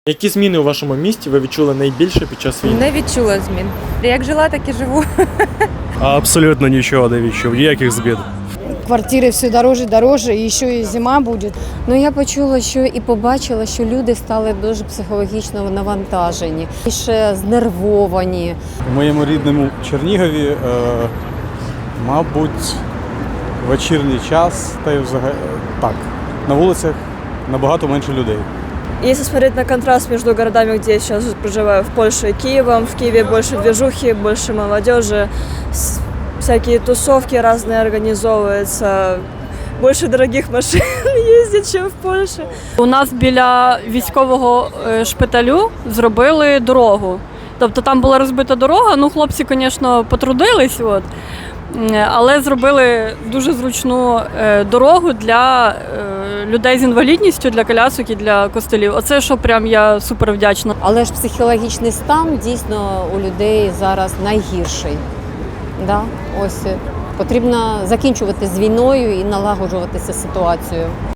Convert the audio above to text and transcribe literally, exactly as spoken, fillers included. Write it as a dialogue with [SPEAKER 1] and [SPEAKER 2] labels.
[SPEAKER 1] Які зміни у вашому місті ви відчули найбільше під час війни?
[SPEAKER 2] Не відчула змін. Як жила, так і живу.
[SPEAKER 3] Абсолютно нічого не відчув, ніяких змін.
[SPEAKER 4] Квартири все дороже і дороже, і ще і зима буде.
[SPEAKER 5] Ну, я почула, що і побачила, що люди стали дуже психологічно навантажені, ще знервовані.
[SPEAKER 6] У моєму рідному Чернігові, е, мабуть, вечірній час, та й взагалі так, на вулицях набагато менше людей.
[SPEAKER 7] Если смотреть на контраст между городами, где я сейчас проживаю, в Польше и Киевом, в Киеве больше движухи, больше молодежи, с- всякие тусовки разные организовываются, больше дорогих машин ездит, чем в Польше.
[SPEAKER 8] У нас біля військового е, шпиталю зробили дорогу. Тобто там була розбита дорога, ну хлопці, звісно, потрудились, от, М, але зробили дуже зручну е, дорогу для е, людей з інвалідністю, для колясок і для костелів. Оце, що прям я супер вдячна.
[SPEAKER 5] Але ж психологічний стан дійсно у людей зараз найгірший. Да? Ось е, потрібно закінчувати з війною і налагоджуватися ситуацію.